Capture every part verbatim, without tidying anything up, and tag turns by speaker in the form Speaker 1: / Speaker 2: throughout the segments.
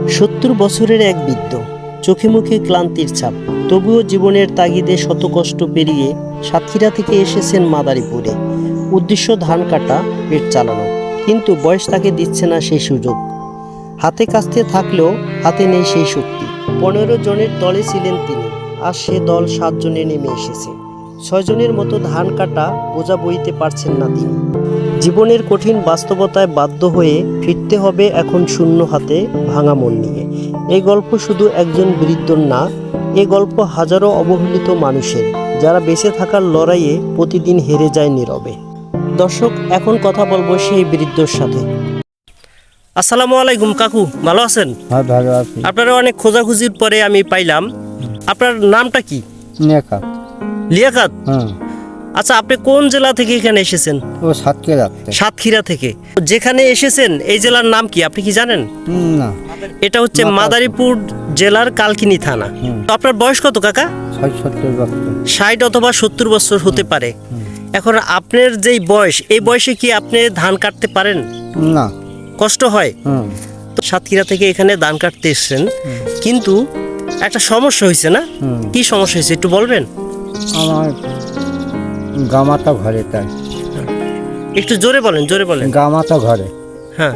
Speaker 1: সত্তর বছরের এক বৃদ্ধ, চোখে মুখে ক্লান্তির ছাপ, তবুও জীবনের তাগিদে শত কষ্ট পেরিয়ে সাতক্ষীরা থেকে এসেছেন মাদারীপুরে। উদ্দেশ্য ধান কাটা, পেট চালানো, কিন্তু বয়স তাকে দিচ্ছে না সেই সুযোগ। হাতে কাস্তে থাকলেও হাতে নেই সেই শক্তি। পনেরো জনের দলে ছিলেন তিনি, আর সে দল সাতজনে নেমে এসেছে। ছয়জনের মতো ধান কাটা বোঝা বইতে পারছেন না তিনি। জীবনের কঠিন বাস্তবতায় বাধ্য হয়ে ফিরতে হবে এখন শূন্য হাতে, ভাঙা মন নিয়ে। এই গল্প শুধু একজন বৃদ্ধর না, এ গল্প হাজারো অবহেলিত মানুষের, যারা বেঁচে থাকার লড়াইয়ে প্রতিদিন হেরে যায় নীরবে। দর্শক, এখন কথা বলবো সেই বৃদ্ধর সাথে। আসসালামু আলাইকুম কাকু, ভালো আছেন?
Speaker 2: হ্যাঁ, ভালো আছি।
Speaker 1: আপনারা অনেক খোঁজাখুঁজির পরে আমি পাইলাম। আপনার নামটা কি?
Speaker 2: লিয়াকাত।
Speaker 1: লিয়াকাত?
Speaker 2: হ্যাঁ।
Speaker 1: আচ্ছা, আপনি কোন জেলা থেকে এখানে এসেছেন?
Speaker 2: ও সাতক্ষীরা।
Speaker 1: সাতক্ষীরা থেকে। যেখানে এসেছেন এই জেলার নাম কি আপনি কি জানেন?
Speaker 2: না।
Speaker 1: এটা হচ্ছে মাদারীপুর জেলার কালকিনি থানা। তো আপনার বয়স কত কাকা?
Speaker 2: সত্তর বছর।
Speaker 1: ষাট অথবা সত্তর বছর হতে পারে। এখন আপনার যেই বয়স, এই বয়সে কি আপনি ধান কাটতে পারেন?
Speaker 2: না।
Speaker 1: কষ্ট হয়? তো সাতক্ষীরা থেকে এখানে ধান কাটতে এসেছেন, কিন্তু একটা সমস্যা হয়েছে না? কি সমস্যা হয়েছে একটু বলবেন?
Speaker 2: আমার গামাতা ঘরে, তাই।
Speaker 1: একটু জোরে বলেন, জোরে বলেন।
Speaker 2: গামাতা ঘরে।
Speaker 1: হ্যাঁ,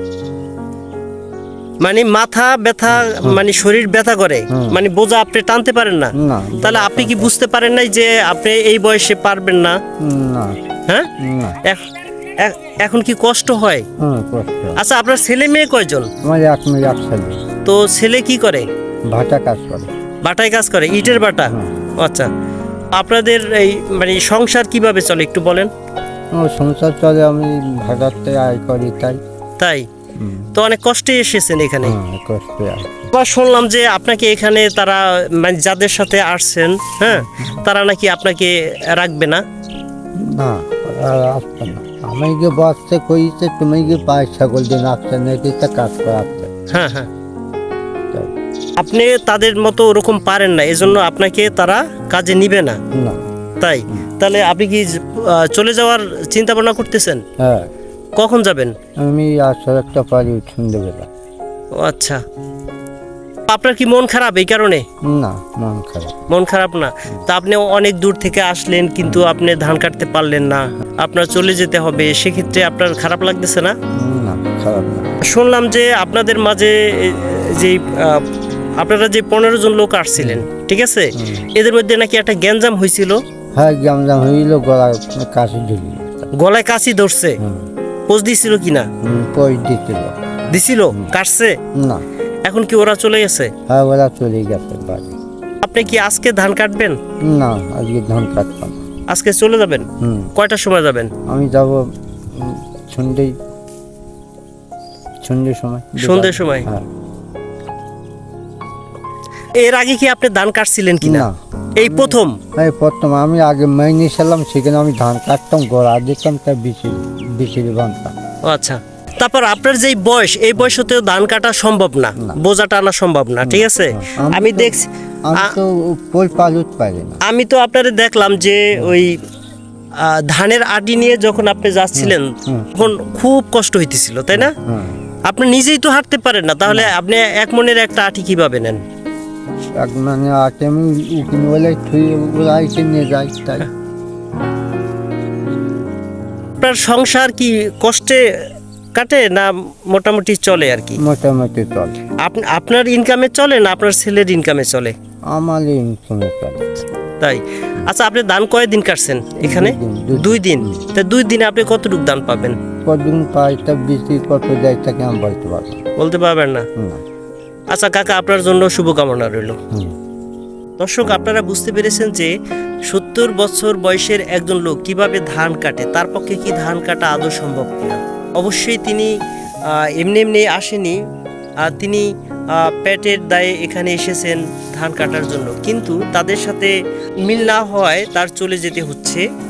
Speaker 1: মানে মাথা ব্যথা, মানে শরীর ব্যথা করে, মানে বোঝা আপনি টানতে পারেন না?
Speaker 2: না।
Speaker 1: তাহলে আপনি কি বুঝতে পারেন নাই যে আপনি এই বয়সে পারবেন না?
Speaker 2: না।
Speaker 1: হ্যাঁ, এখন কি কষ্ট হয়? আচ্ছা, আপনার ছেলে মেয়ে কয়জন?
Speaker 2: আমার এক মেয়ে, এক ছেলে।
Speaker 1: তো ছেলে কি করে?
Speaker 2: ভাটা কাজ করে।
Speaker 1: বাটায় কাজ করে, ইটের বাটা? আচ্ছা, আপনাদের এই মানে সংসার কিভাবে চলে একটু বলেন?
Speaker 2: ও সংসার চলে, আমি ভাটাতে আয় করি, তাই।
Speaker 1: তাই? তো অনেক কষ্টে এসেছেন এখানে।
Speaker 2: কষ্টে।
Speaker 1: আবার শুনলাম যে আপনাকে এখানে তারা, মানে যাদের সাথে আসছেন, হ্যাঁ, তারা নাকি আপনাকে রাখবে না।
Speaker 2: না, আসবে না। আমি গিয়ে বসতে কইছে, তুমি গিয়ে পায়ে ছাগল দিন আসছে নাকি, তা কাজ করাচ্ছে।
Speaker 1: হ্যাঁ হ্যাঁ, আপনি তাদের মতো ওরকম পারেন না, এজন্য আপনাকে তারা কাজে নিবে না।
Speaker 2: না।
Speaker 1: তাই? তাহলে আপনি কি চলে যাওয়ার চিন্তা ভাবনা করতেছেন?
Speaker 2: হ্যাঁ।
Speaker 1: কখন যাবেন?
Speaker 2: আমি আসলে একটা পারি সন্ধ্যেবেলা।
Speaker 1: ও আচ্ছা, আপনার কি মন খারাপ এই কারণে?
Speaker 2: না, মন খারাপ।
Speaker 1: মন খারাপ না? তা আপনি অনেক দূর থেকে আসলেন, কিন্তু আপনি ধান কাটতে পারলেন না, আপনার চলে যেতে হবে, সেক্ষেত্রে আপনার খারাপ লাগতেছে না?
Speaker 2: না, খারাপ না।
Speaker 1: শুনলাম যে আপনাদের মাঝে যে আপনারা যে পনেরো জন লোক আসছিলেন, ঠিক আছে, এদের মধ্যে নাকি একটা গ্যাঞ্জাম হয়েছিল।
Speaker 2: হ্যাঁ, গ্যাঞ্জাম হইল, গলায় কাশি ধরি।
Speaker 1: গলায় কাশি ধরছে? পোজ দিছিল কিনা?
Speaker 2: পোজ দিছিল।
Speaker 1: দিছিল? কাটছে
Speaker 2: না।
Speaker 1: এখন কি ওরা চলে গেছে?
Speaker 2: হ্যাঁ, ওরা চলে গেছে বাড়ি।
Speaker 1: আপনি কি আজকে ধান কাটবেন?
Speaker 2: না, আজকে ধান কাটতাম।
Speaker 1: আজকে চলে যাবেন? কয়টার সময় যাবেন?
Speaker 2: আমি যাব সন্ধ্যে সন্ধ্যের সময়।
Speaker 1: সন্ধ্যের সময়?
Speaker 2: হ্যাঁ।
Speaker 1: এর আগে কি আপনি ধান কাটছিলেন কিনা? এই প্রথম?
Speaker 2: এই প্রথম। আমি আগে মাইনে ছিলাম, সেখানে আমি ধান কাটতাম, গোড়া দিতাম, তাই বিচি বিচিরি বানতাম।
Speaker 1: আচ্ছা, তারপর আপনার যেই বয়স, এই বয়সতেও ধান কাটা সম্ভব না, বোঝা টানা সম্ভব না, ঠিক আছে? আমি দেখছি,
Speaker 2: আমি তো পোল পালুত পারি না।
Speaker 1: আমি তো আপনারে দেখলাম যে ওই ধানের আটি নিয়ে যখন আপনি যাচ্ছিলেন, তখন খুব কষ্ট হইতেছিল, তাই না? আপনি নিজেই তো হাঁটতে পারেন না, তাহলে আপনি এক মনের একটা আটি কিভাবে নেন?
Speaker 2: এক মানে আটি আমি উকিল বলে আইসে নিয়ে যাই, তাই।
Speaker 1: আপনার সংসার কি কষ্টে কাটে না মোটামুটি চলে আর কি?
Speaker 2: মোটামুটি চলে।
Speaker 1: আপনার ইনকামে চলে না আপনার ছেলের ইনকামে চলে?
Speaker 2: আমার ইনকামে চলে।
Speaker 1: তাই? আচ্ছা, আপনি ধান কয়দিন কাটছেন এখানে? দুই দিন। তা দুই দিনে আপনি কতটুকু ধান পাবেন?
Speaker 2: কতদিন পাই, তা বেশি কত যায় তাকে আমি বলতে পারবো
Speaker 1: বলতে পারবেন না? আচ্ছা কাকা, আপনার জন্য শুভকামনা রইল। দর্শক, আপনারা বুঝতে পেরেছেন যে সত্তর বছর বয়সের একজন লোক কিভাবে ধান কাটে, তার পক্ষে কি ধান কাটা আদৌ সম্ভব কিনা। অবশ্যই তিনি এমনি এমনি আসেনি, তিনি পেটের দায়ে এখানে এসেছেন ধান কাটার জন্য, কিন্তু তাদের সাথে মিল না হওয়ায় তার চলে যেতে হচ্ছে।